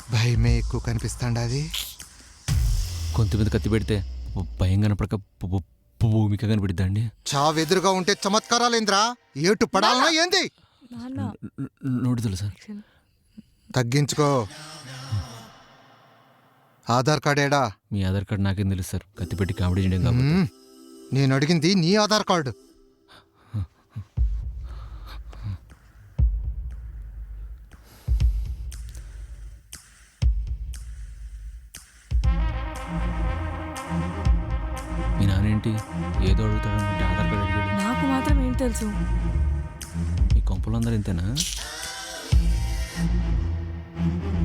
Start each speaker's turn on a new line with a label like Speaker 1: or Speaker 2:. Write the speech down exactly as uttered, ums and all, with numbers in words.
Speaker 1: భయమే ఎక్కువ కనిపిస్తాండాది.
Speaker 2: కొంత మీద కత్తి పెడితే భయం కనపడక భూమిక కనిపెడతా అండి.
Speaker 1: చావెదురుగా ఉంటే చమత్కారాలేంద్రా, ఏటు పడాలనా ఏంది?
Speaker 2: నోడుదలు సార్.
Speaker 1: తగ్గించుకో. ఆధార్ కార్డ్ ఏడా?
Speaker 2: మీ ఆధార్ కార్డు నాకేం తెలుసు సార్, కత్తి పెట్టి కామెడీ చేయడం కాబట్టి.
Speaker 1: మ్మ్. నేను అడిగింది నీ ఆధార్ కార్డు.
Speaker 2: మీ నానేంటి ఏదో అడుగుతాడనుకుంటే ఆధార్ కార్డు అడిగాడు.
Speaker 3: నాకు మాత్రం ఏం తెలుసు?
Speaker 2: మీ కొంపలు అందరూ ఇంతేనా?